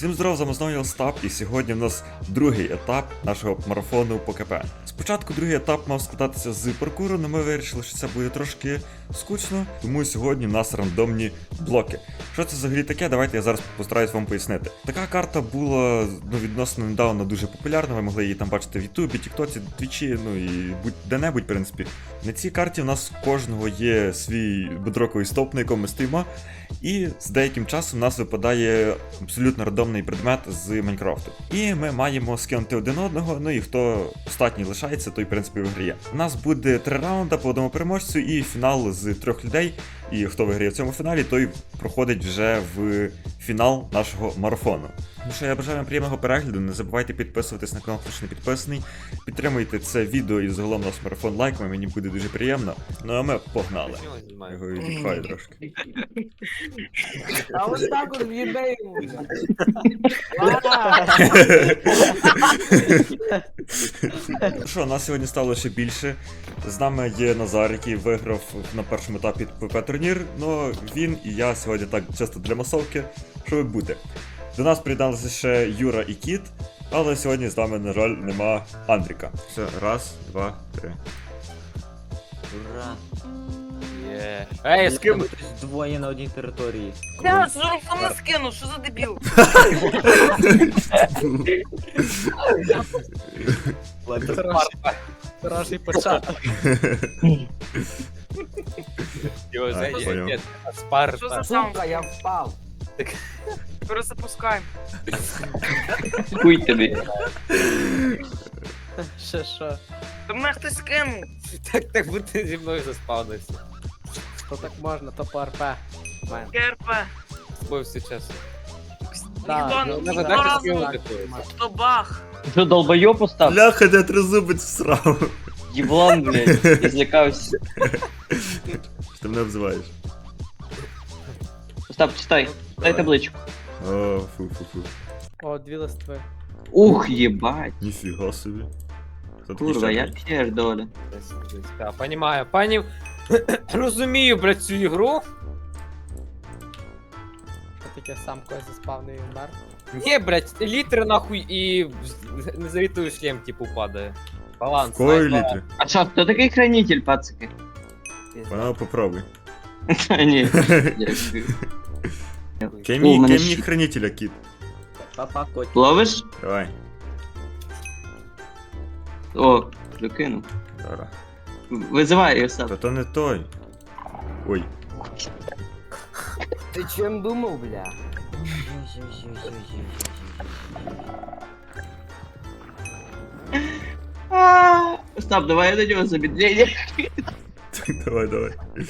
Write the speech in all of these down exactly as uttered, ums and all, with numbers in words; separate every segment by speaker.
Speaker 1: Всім здоров, за мною Остап, і сьогодні в нас другий етап нашого марафону по КП. Спочатку другий етап мав складатися з паркуру, але ми вирішили, що це буде трошки скучно, тому сьогодні в нас рандомні блоки. Що це взагалі таке, давайте я зараз постараюсь вам пояснити. Така карта була ну, відносно недавно дуже популярна, ви могли її там бачити в Ютубі, Тіктоці, Твічі, ну і будь-де-небудь, в принципі. На цій карті в нас у кожного є свій бедроковий стовп, на якому ми стоїмо, і з деяким часом у нас випадає абсолютно рандомний предмет з Майнкрафту. І ми маємо скинути один одного, ну і хто остатній лишається, той в принципі виграє. У нас буде три раунди по одному переможцю і фінал з трьох людей. І хто виграє в цьому фіналі, той проходить вже в фінал нашого марафону. Ну що, я бажаю вам приємного перегляду, не забувайте підписуватись на канал, хто ще не підписаний. Підтримуйте це відео і загалом наш марафон лайками, мені буде дуже приємно. Ну а ми погнали. Я його відпихаю трошки.
Speaker 2: А ось так от в'їбе йому.
Speaker 1: Ну що, нас сьогодні стало ще більше. З нами є Назар, який виграв на першому етапі ПП-турнір. Ну, він і я сьогодні так чисто для масовки, щоб бути. До нас приєдналися ще Юра і Кіт, але сьогодні з нами, на жаль, нема Андріка. Все, раз, два, три.
Speaker 3: Ура!
Speaker 4: Є. Ей, з ким?
Speaker 3: Двоє на одній території.
Speaker 2: Я жорстко не скину, що за дебіл?
Speaker 4: Хороший початок. Його
Speaker 1: А,
Speaker 4: зайде.
Speaker 1: понял.
Speaker 4: Ні, Спар.
Speaker 2: Що за
Speaker 4: спар.
Speaker 2: самка, я впав. Перезапускаємо.
Speaker 5: Хуй тобі.
Speaker 4: Ще що?
Speaker 2: Та мене хтось скинув.
Speaker 4: Так, так будь зі мною заспавнився.
Speaker 6: То так можна, то по РП. Мен.
Speaker 2: КРП.
Speaker 4: З тобою все чесно.
Speaker 2: Ніхто
Speaker 4: ну,
Speaker 2: ніхто
Speaker 4: треба дати
Speaker 2: разу.
Speaker 4: скинути когось.
Speaker 2: Хто бах.
Speaker 5: Що, долбойоб постав?
Speaker 1: Бляха, де тризубець всрав.
Speaker 5: Єблан, блядь, я злякався.
Speaker 1: Що ти мене обзиваєш?
Speaker 5: Остап, читай, дай табличку.
Speaker 1: О, фу-фу-фу.
Speaker 6: О, дві листви.
Speaker 5: Ух, єбать.
Speaker 1: Ніфіга собі. Хто такий
Speaker 5: Курва,
Speaker 1: ще?
Speaker 5: я п'єш, доля.
Speaker 4: Так, понімаю. Пані, розумію, блядь, цю ігру.
Speaker 6: Що таке сам когось заспавний і вмер.
Speaker 4: Ні, блядь, літри нахуй і не завітую шлем, типу, падає. Баланс.
Speaker 1: В кої
Speaker 4: знаєш,
Speaker 1: літри?
Speaker 5: А що, хто такий хранитель, пацики?
Speaker 1: Пана, попробуй.
Speaker 5: Та ні. Дякую.
Speaker 1: Кей
Speaker 5: О,
Speaker 1: мені,
Speaker 5: мене
Speaker 1: кей мені
Speaker 5: щит.
Speaker 1: хранителя, Кіт.
Speaker 3: Папа, котик.
Speaker 5: Ловиш?
Speaker 1: Давай.
Speaker 5: О, докинув.
Speaker 1: Зараз.
Speaker 5: Визивай, Остап.
Speaker 1: Та то не той. Ой.
Speaker 2: Ти чим думав, бля?
Speaker 5: А, Остап, давай я до нього замедлення.
Speaker 1: Давай, давай.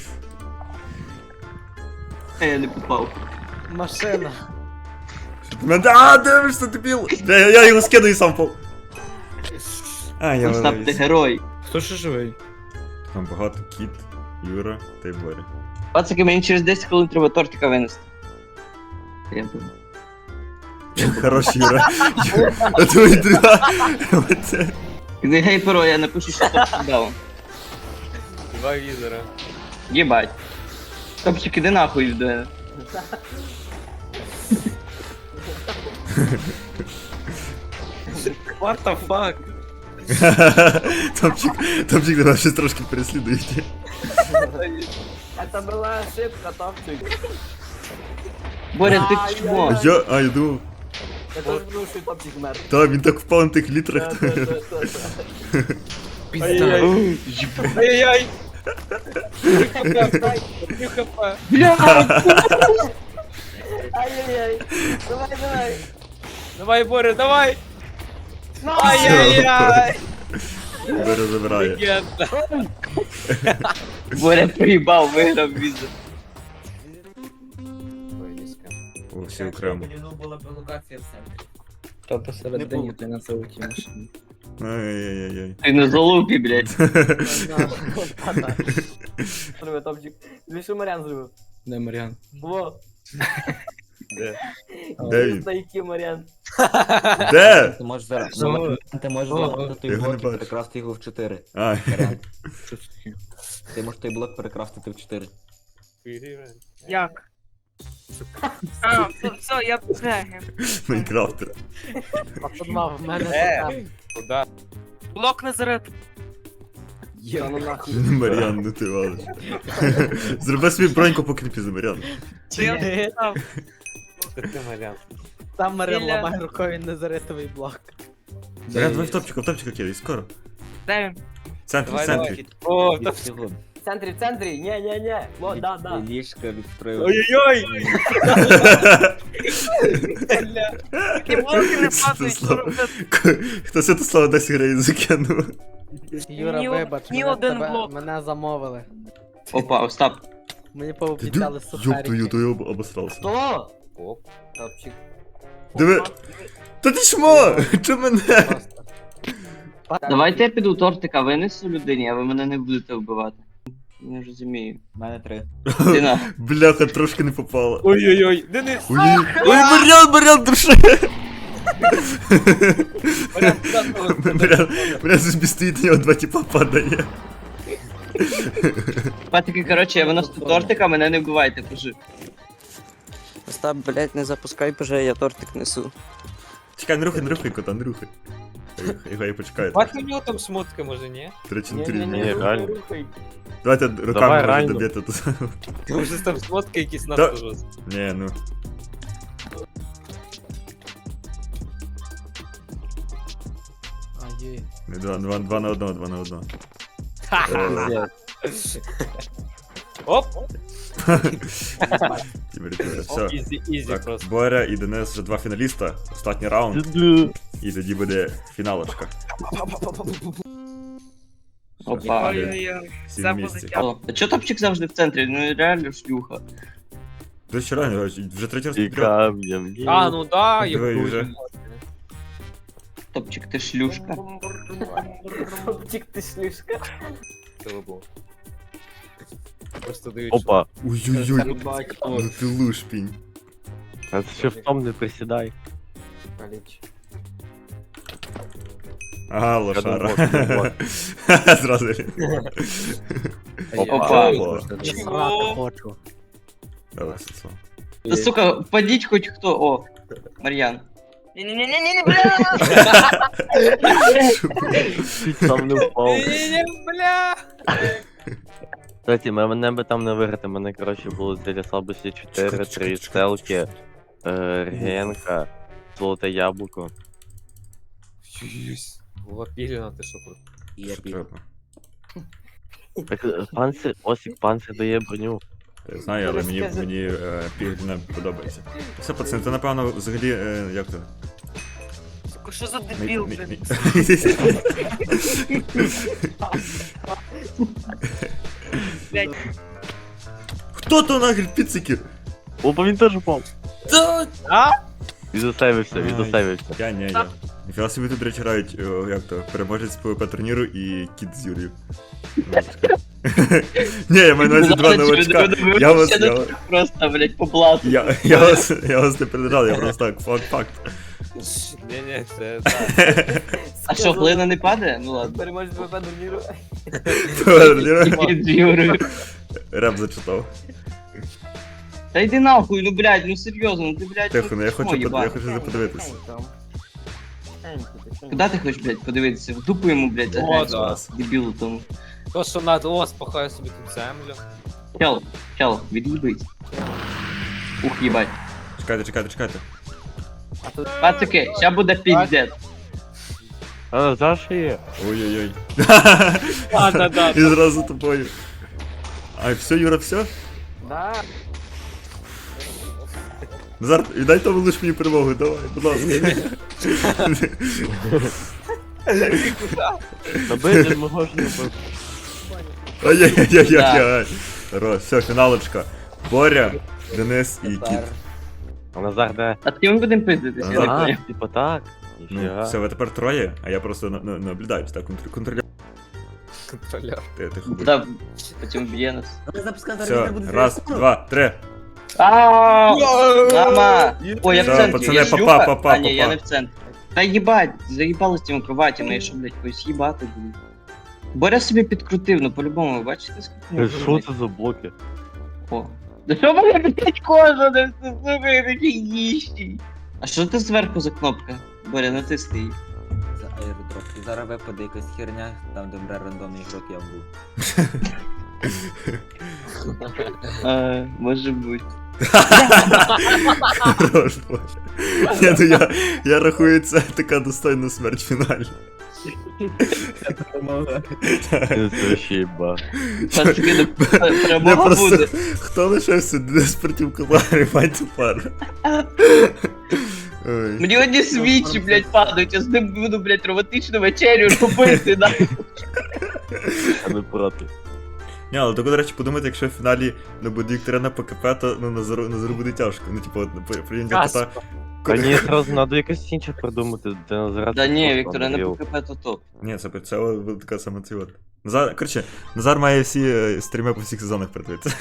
Speaker 5: А я не попав.
Speaker 6: Машина.
Speaker 1: Що ти мене- А, дивишся, дебіл! Бля, Я, я його скину і сам пов. А, я
Speaker 5: Остап, ти
Speaker 1: валився.
Speaker 5: герой.
Speaker 4: Хто ще живий?
Speaker 1: Там багато Кіт, Юра та й Боря.
Speaker 5: Пацики, мені через десять хвилин треба тортика винести. Я думаю.
Speaker 1: Хорош, Юра. А твої друга. Оце.
Speaker 5: Не гей, перо, я напишу, що топ даун.
Speaker 4: Два візора.
Speaker 5: Єбать. Топчик, іди нахуй від мене.
Speaker 4: What the fuck?
Speaker 1: Топчик, топчик тебе щось трошки переслідують.
Speaker 2: Це була ошибка, топчик.
Speaker 5: Боря, ти
Speaker 2: Ай,
Speaker 5: чмо?
Speaker 1: А я, а я думав,
Speaker 2: Я теж думав, що топчик мер.
Speaker 1: та він так впав на тих літрах.
Speaker 4: Ай-яй-яй. Ай-яй-яй. Три хп.
Speaker 2: Ай-яй-яй. Давай, давай.
Speaker 4: Давай, Боря, давай.
Speaker 2: Ну,
Speaker 4: Ай-яй-яй.
Speaker 1: Боря забирає.
Speaker 4: Легенда.
Speaker 5: Боря приїбав, виграв візу.
Speaker 1: О, всі окремо.
Speaker 3: була б локація в центрі.
Speaker 6: То посередині ти на золотій машині.
Speaker 1: Ай-яй-яй-яй.
Speaker 5: Ти на залупі, блядь.
Speaker 2: Зробив топчик. Дві що Маріан зробив.
Speaker 6: Де Маріан?
Speaker 2: Во.
Speaker 4: Де?
Speaker 1: Де він?
Speaker 2: Знайки Маріан.
Speaker 1: Де?
Speaker 3: Ти можеш зараз.
Speaker 6: О,
Speaker 3: Ти можеш
Speaker 6: о,
Speaker 3: залагодити той
Speaker 1: його не
Speaker 3: блок і
Speaker 1: бачу.
Speaker 3: перекрасти його в чотири.
Speaker 1: А,
Speaker 3: Варіант. Ти можеш той блок перекрасти в чотири.
Speaker 2: Як?
Speaker 7: А, все, все, я бегаю.
Speaker 1: Майнкрафтер.
Speaker 6: Пацанма, в мене
Speaker 4: Е.
Speaker 6: там.
Speaker 4: Куда?
Speaker 7: Блок Назарет.
Speaker 3: Є, ну нахуй.
Speaker 1: Мар'ян, ну ти валиш. Зроби свій броньку по кріпі за Мар'ян.
Speaker 7: Чи я там?
Speaker 4: Це ти, Мар'ян.
Speaker 6: Там Маріан
Speaker 7: Біля-
Speaker 6: ламає рукою незаритовий блок.
Speaker 1: Мар'ян, давай в топчика, в топчика кидай, скоро.
Speaker 7: Де він?
Speaker 1: В центрі, в
Speaker 4: Давай,
Speaker 1: центрі.
Speaker 4: О,
Speaker 3: Від
Speaker 4: та...
Speaker 3: всього.
Speaker 2: В центрі, в центрі, ні, ні, ні. О, да, да.
Speaker 3: Від ліжка, від приводу.
Speaker 4: Ой-ой-ой!
Speaker 7: Такі блоки не падають, що
Speaker 1: Святослав.
Speaker 7: робити?
Speaker 1: Хто Святослава десь грає закинув?
Speaker 6: Юра,
Speaker 7: Ні о-
Speaker 6: вибач,
Speaker 7: ні
Speaker 6: мене,
Speaker 7: один
Speaker 6: тебе-
Speaker 7: блок.
Speaker 6: мене замовили.
Speaker 5: Опа, Остап.
Speaker 6: Мені
Speaker 1: Ти
Speaker 6: пообіцяли
Speaker 1: Ёб твою,
Speaker 6: сухарики.
Speaker 1: то я об- обосрався.
Speaker 2: Хто?
Speaker 4: Оп.
Speaker 2: Топчик.
Speaker 1: Диви. Та ти шмо! Чо мене?
Speaker 6: Просто.
Speaker 5: Давайте я піду тортика винесу людині, а ви мене не будете вбивати. Не розумію.
Speaker 3: У мене три.
Speaker 5: Ти на.
Speaker 1: Бляха, трошки не попала.
Speaker 4: Ой-ой-ой, Денис!
Speaker 1: Ой, ой, Мар'ян, Мар'ян, души!
Speaker 4: Мар'ян, куди того?
Speaker 1: Мар'ян, Мар'ян собі стоїть, на нього два тіпа падає.
Speaker 5: Патики, коротше, я виношу тортика, мене не вбивайте, кажи.
Speaker 8: Остап, блять, не запускай, боже, я тортик несу.
Speaker 1: Чекай, не рухай, не рухай, кота, не рухай. Його я почекаю.
Speaker 4: Бать у нього там шмотки, може, ні?
Speaker 1: Три чи
Speaker 2: Ні,
Speaker 1: три.
Speaker 2: ні, ні,
Speaker 1: ні.
Speaker 2: рухай, рухай.
Speaker 1: Давайте руками
Speaker 9: Давай
Speaker 1: може
Speaker 9: ранню.
Speaker 1: доб'єте тут.
Speaker 4: Може там шмотки якісь
Speaker 1: Да.
Speaker 4: надто жорсткі.
Speaker 1: Ні, ну.
Speaker 6: А, є.
Speaker 1: Не, Два, два, два на одного, два на одного.
Speaker 4: Оп!
Speaker 1: Тімер, тімер,
Speaker 4: Оп,
Speaker 1: все.
Speaker 4: ізі, ізі
Speaker 1: Так,
Speaker 4: просто.
Speaker 1: Боря і Денис вже два фіналіста. Останній раунд. І тоді буде фіналочка.
Speaker 5: Опа.
Speaker 7: Ой-ой-ой.
Speaker 1: Всі
Speaker 7: Це
Speaker 1: в
Speaker 7: буде
Speaker 1: місті.
Speaker 7: тяжко.
Speaker 5: О, а чо топчик завжди в центрі? Ну реально шлюха.
Speaker 1: До речі, реально, вже третій раз
Speaker 9: І
Speaker 1: підряд.
Speaker 9: камнем.
Speaker 4: А, ну да, я
Speaker 1: Диви,
Speaker 4: буду.
Speaker 1: вже.
Speaker 5: Топчик, ти шлюшка.
Speaker 2: Топчик, ти шлюшка.
Speaker 4: Просто дають.
Speaker 9: Опа.
Speaker 1: Ой-ой-ой, ну ти лушпінь.
Speaker 9: А ти ще в том не присідай.
Speaker 2: Каліч.
Speaker 1: Ага,
Speaker 9: думав,
Speaker 1: лошара.
Speaker 9: я думав.
Speaker 1: Зразу.
Speaker 5: Опа.
Speaker 1: Опа.
Speaker 6: Я срати хочу.
Speaker 1: Давай, Святослав.
Speaker 5: Та сука, впадіть хоч хто. О, Мар'ян.
Speaker 7: Ні-ні-ні-ні, бля!
Speaker 9: Чуть сам не впав.
Speaker 4: Ні-ні-ні, бля!
Speaker 9: Кстати, мене би там не виграти, мене, коротше, було зілля слабості чотири, три стелки, е, регенка, золоте яблуко.
Speaker 4: Єсть. Була пілена, ти що про.
Speaker 3: Я
Speaker 1: Що
Speaker 3: пів.
Speaker 1: треба?
Speaker 9: Так, е, панцир, Осік, панцир дає броню.
Speaker 1: Я знаю, але мені, мені е, пігля подобається. Все, пацани, це напевно взагалі, е, як то?
Speaker 7: Сука, що за
Speaker 1: Мі-
Speaker 7: дебіл,
Speaker 1: мі-
Speaker 7: блін? Блядь.
Speaker 1: Хто то нахрен піцики?
Speaker 9: Опа, він теж упав.
Speaker 4: А?
Speaker 9: Відосейвився,
Speaker 1: Ай.
Speaker 9: відосейвився.
Speaker 1: Я не, я. Ніфіга собі тут, до речі, грають, о, як то, переможець ПВП турніру і кіт з Юрію. Ні, я маю на увазі два новачка. Я вас, я, вас-
Speaker 5: Просто, блять, по блату.
Speaker 1: я, я вас, я вас не передражав, я просто так, факт, факт.
Speaker 4: Ні-ні, це так.
Speaker 5: А що, глина не падає? Ну ладно.
Speaker 2: Переможець ВП турніру.
Speaker 5: Кіт з Юрою.
Speaker 1: Реп зачитав.
Speaker 5: Та йди нахуй, ну блядь, ну серйозно, ну ти, блядь,
Speaker 1: Тихо, ну я хочу,
Speaker 5: чмо
Speaker 1: под- я
Speaker 5: їбати.
Speaker 1: хочу подивитися.
Speaker 5: Куди ти хочеш, блядь, подивитися? В дупу йому, блядь,
Speaker 4: О,
Speaker 5: заграти.
Speaker 4: да.
Speaker 5: Дебілу тому.
Speaker 4: То, що надо, о, спахаю собі тут землю.
Speaker 5: Чел, чел, від'їбись. Ух, їбать.
Speaker 1: Чекайте, чекайте, чекайте.
Speaker 5: Пацики, ща буде піздець.
Speaker 9: А, за що є?
Speaker 1: Ой-ой-ой.
Speaker 4: А, да-да.
Speaker 1: І зразу тобою. А, все, Юра, все?
Speaker 2: Да.
Speaker 1: Назар, віддай тому лиш мені перемогу, давай, будь ласка.
Speaker 9: Та бити мого ж не бив.
Speaker 1: Ай-яй-яй-яй-яй. Хорош, все, фіналочка. Боря, Денис і Кіт.
Speaker 9: А Назар де?
Speaker 5: А з ким ми будемо пиздитися? я не
Speaker 9: А,
Speaker 5: поняв.
Speaker 9: типа так.
Speaker 1: Ну,
Speaker 9: Ніфіга.
Speaker 1: все, ви тепер троє, а я просто на- на- наблюдаю, так, контр- контролюю.
Speaker 4: Контролер.
Speaker 1: Ти, тихо будь.
Speaker 5: Да, потім б'є нас.
Speaker 1: Все, раз, два, три.
Speaker 5: Aaaa! Мама! Ой, я в
Speaker 1: Все,
Speaker 5: центрі,
Speaker 1: пацани,
Speaker 5: я
Speaker 1: папа,
Speaker 5: шлюха?
Speaker 1: папа,
Speaker 5: А, ні, я
Speaker 1: папа.
Speaker 5: не в центрі. Та їбать, заїбали з тими кроватями, я що, блядь, когось їбати буду. Боря собі підкрутив, ну по-любому, ви бачите, скільки?
Speaker 9: Е, Що це за блоки?
Speaker 5: О, Да що мене блять кожа, не все, сука, я такий ніщий. А що це зверху за кнопка? Боря, натисни її.
Speaker 3: За аеродроп. І зараз випаде якась херня, там де мре рандомний ігрок я був.
Speaker 5: А, може бути.
Speaker 1: Хорош, Боже. Ні, ну я, я рахую, це така достойна смерть в фіналі.
Speaker 9: Це вообще ба.
Speaker 5: Пацки, не
Speaker 1: Не
Speaker 5: перемога
Speaker 1: просто,
Speaker 5: буде.
Speaker 1: хто лишився Денис проти Калари, мать пара. Ой.
Speaker 5: Мені одні свічі, блядь, падають, я з ним буду, блядь, романтичну вечерю робити, да.
Speaker 9: Я не проти.
Speaker 1: Ні, але так, до речі, подумайте, якщо в фіналі не буде Вікторина по КП, то ну, Назару, Назару буде тяжко. Ну, типу, от, прийняття кота.
Speaker 9: Та ні, зразу треба якось інше придумати, де Назар.
Speaker 5: Да ні, Віктора, не по КП, то топ.
Speaker 1: Ні, це, це буде така сама ці от. Назар, коротше, Назар має всі е, стріми по всіх сезонах придивитися.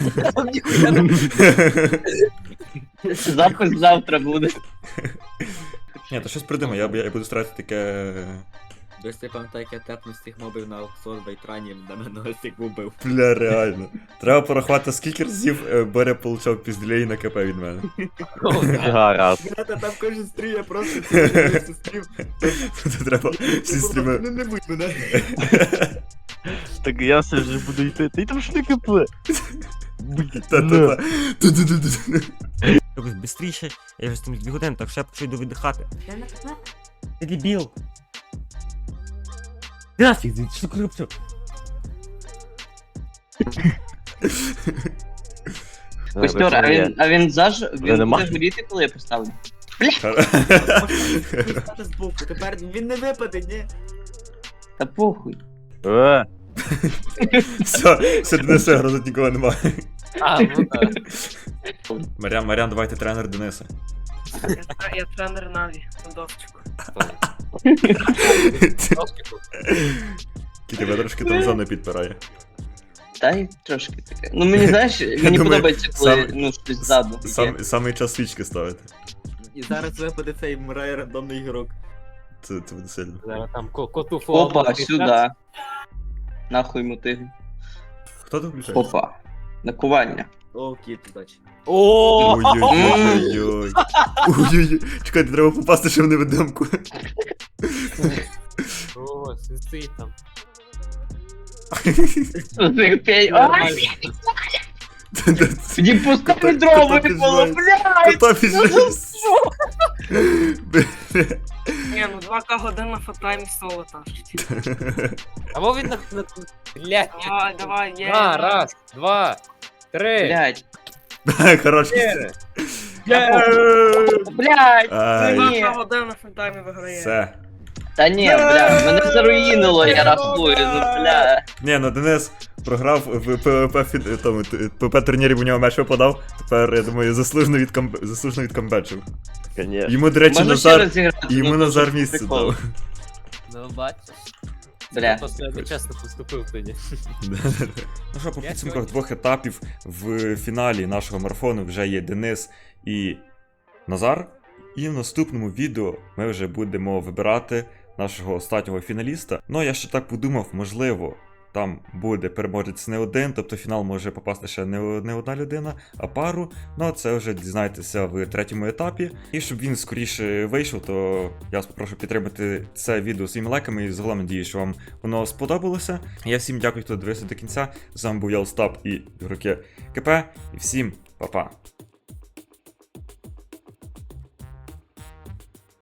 Speaker 5: Запис завтра буде.
Speaker 1: Ні, то щось придумай, я, я буду старатися таке.
Speaker 3: Десь ти пам'ятаю, як я тепнув з тих мобів на аукціон в Айтрані, де мене ось як убив.
Speaker 1: Бля, реально. Треба порахувати, скільки разів е, Боря получав пізділей на КП від мене.
Speaker 9: Гаразд.
Speaker 3: Та там кожен стрім, я просто стрім.
Speaker 1: Це треба всі стріми.
Speaker 3: Не будь мене.
Speaker 9: Так я все вже буду йти. Ти там ж не КП.
Speaker 1: Та-та-та.
Speaker 10: Якось бистріше, я вже з тим дві години, так що я почну йду віддихати. Ти дебіл. Нафіг, що ти робиш?
Speaker 5: Костер, а він, а він заж... Він
Speaker 9: нема?
Speaker 5: буде горіти, коли я поставлю?
Speaker 3: Стати збоку, тепер він не випаде, ні?
Speaker 5: Та похуй.
Speaker 9: Е,
Speaker 1: Все, все, Дениса грозить нікого немає.
Speaker 4: А, ну так.
Speaker 1: Маріан, Маріан, давайте тренер Дениса.
Speaker 7: Я тренер Наві, на довчику.
Speaker 1: Кі тебе трошки там зони підпирає.
Speaker 5: Та й трошки таке. Ну мені, знаєш, мені
Speaker 1: думаю,
Speaker 5: подобається, коли,
Speaker 1: сам-
Speaker 5: ну, щось ззаду.
Speaker 1: Сам, самий час свічки ставити.
Speaker 3: І зараз випаде цей мре рандомний ігрок.
Speaker 1: Це, це буде сильно.
Speaker 4: Зараз там ко- коту фото.
Speaker 5: Опа, сюди. Нахуй мотиги.
Speaker 1: Хто тут включає?
Speaker 5: Опа. Накування.
Speaker 3: О, кіт, удачі.
Speaker 4: О!
Speaker 1: Ой-ой-ой. Ой-ой-ой. Чекайте, треба попасти ще в невидимку.
Speaker 4: О, сидить там.
Speaker 5: Пей. А, мені пускай дрова
Speaker 1: кота
Speaker 5: випало,
Speaker 1: піджимає.
Speaker 5: блядь!
Speaker 1: Кота піджив.
Speaker 7: Ні, ну два ка годин на фатаймі соло тащить.
Speaker 4: Або він на... на- Блядь.
Speaker 7: Давай, давай, є.
Speaker 4: На, раз, два, три,
Speaker 5: Блядь.
Speaker 1: Хорош.
Speaker 4: чотири.
Speaker 5: Блядь!
Speaker 1: Ай,
Speaker 7: Два
Speaker 5: Ні.
Speaker 7: ка годин на фатаймі виграє.
Speaker 1: все.
Speaker 5: Та ні, бля, мене заруїнило, я рахую, ну бля.
Speaker 1: Ні, ну Денис програв в ПВП фід... тому, ПВП турнірі, у нього меч випадав. Тепер, я думаю, заслужено від камб... заслужено від камбечив.
Speaker 9: Конечно.
Speaker 1: Йому, до речі,
Speaker 5: Можна ще
Speaker 1: Назар...
Speaker 5: раз зіграти?
Speaker 1: Йому
Speaker 5: Ну,
Speaker 1: Назар
Speaker 5: дуже
Speaker 1: місце
Speaker 5: прикол.
Speaker 1: дав.
Speaker 4: Ну, бачиш.
Speaker 5: Бля.
Speaker 4: Просто я нечесно поступив тоді.
Speaker 1: Ну що, по
Speaker 4: Я
Speaker 1: підсумках
Speaker 4: сьогодні-
Speaker 1: двох етапів в фіналі нашого марафону вже є Денис і Назар. І в наступному відео ми вже будемо вибирати нашого останнього фіналіста. Ну, я ще так подумав, можливо, там буде переможець не один, тобто в фінал може попасти ще не, не одна людина, а пару. Ну, це вже дізнаєтеся в третьому етапі. І щоб він скоріше вийшов, то я вас попрошу підтримати це відео своїми лайками. І загалом надію, що вам воно сподобалося. Я всім дякую, хто дивився до кінця. З вами був я, Остап і ігроки КП. І всім па-па.